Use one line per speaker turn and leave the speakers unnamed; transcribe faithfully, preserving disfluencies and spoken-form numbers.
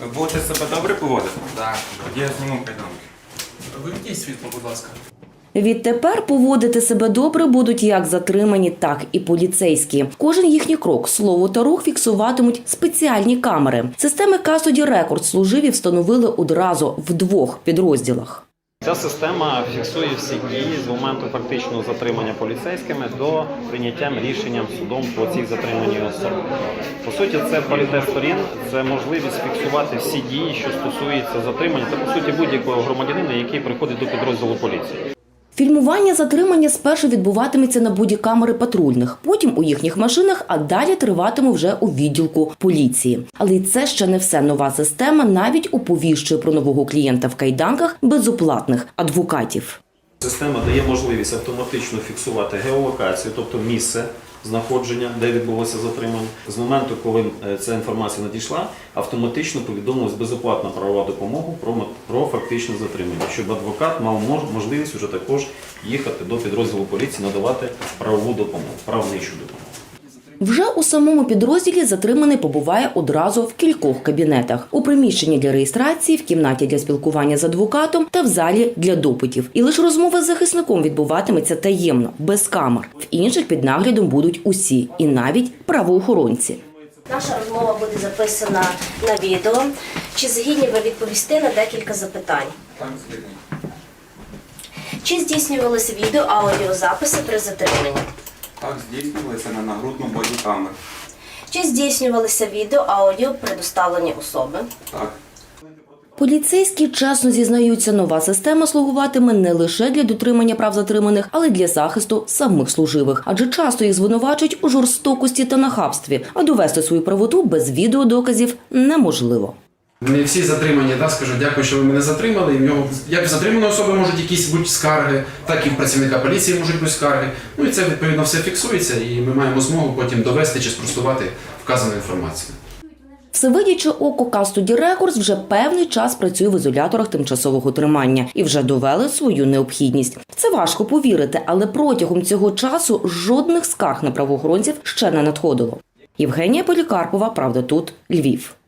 Ви будете себе добре поводити?
Так.
Тоді я зніму кайданки.
Вимкніть світло, будь ласка.
Відтепер поводити себе добре будуть як затримані, так і поліцейські. Кожен їхній крок, слово та рух фіксуватимуть спеціальні камери. Системи Custody Records служиві встановили одразу в двох підрозділах.
Ця система фіксує всі дії з моменту фактичного затримання поліцейськими до прийняття рішенням судом по цій затриманій особі. По суті, це паритет сторін, це можливість фіксувати всі дії, що стосуються затримання та, по суті, будь-якого громадянина, який приходить до підрозділу поліції.
Фільмування затримання спершу відбуватиметься на бодікамери патрульних, потім у їхніх машинах, а далі триватиме вже у відділку поліції. Але й це ще не все. Нова система навіть оповіщує про нового клієнта в кайданках безоплатних адвокатів.
Система дає можливість автоматично фіксувати геолокацію, тобто місце знаходження, де відбулося затримання. З моменту, коли ця інформація надійшла, автоматично повідомилась безоплатна правова допомога про, про фактичне затримання, щоб адвокат мав можливість вже також їхати до підрозділу поліції, надавати правову допомогу, правничу допомогу.
Вже у самому підрозділі затриманий побуває одразу в кількох кабінетах. У приміщенні для реєстрації, в кімнаті для спілкування з адвокатом та в залі для допитів. І лише розмова з захисником відбуватиметься таємно, без камер. В інших під наглядом будуть усі, і навіть правоохоронці.
Наша розмова буде записана на відео. Чи згідні ви відповісти на декілька запитань?
Так, згідний.
Чи здійснювалися відео, аудіозаписи при затриманні?
Так, здійснювалися на нагрудну бодікамеру.
Чи здійснювалися відео, аудіо при доставленні особи?
Так.
Поліцейські чесно зізнаються, нова система слугуватиме не лише для дотримання прав затриманих, але й для захисту самих служивих. Адже часто їх звинувачують у жорстокості та нахабстві, а довести свою правоту без відеодоказів неможливо.
Не всі затримані, да, скажуть, дякую, що ви мене затримали. І в нього, як в затриманої особи можуть якісь бути скарги, так і в працівника поліції можуть бути скарги. Ну і це, відповідно, все фіксується, і ми маємо змогу потім довести чи спростувати вказану інформацію.
Всевидяче око Custody Records вже певний час працює в ізоляторах тимчасового тримання і вже довели свою необхідність. Це важко повірити, але протягом цього часу жодних скарг на правоохоронців ще не надходило. Євгенія Полікарпова, Правда тут, Львів.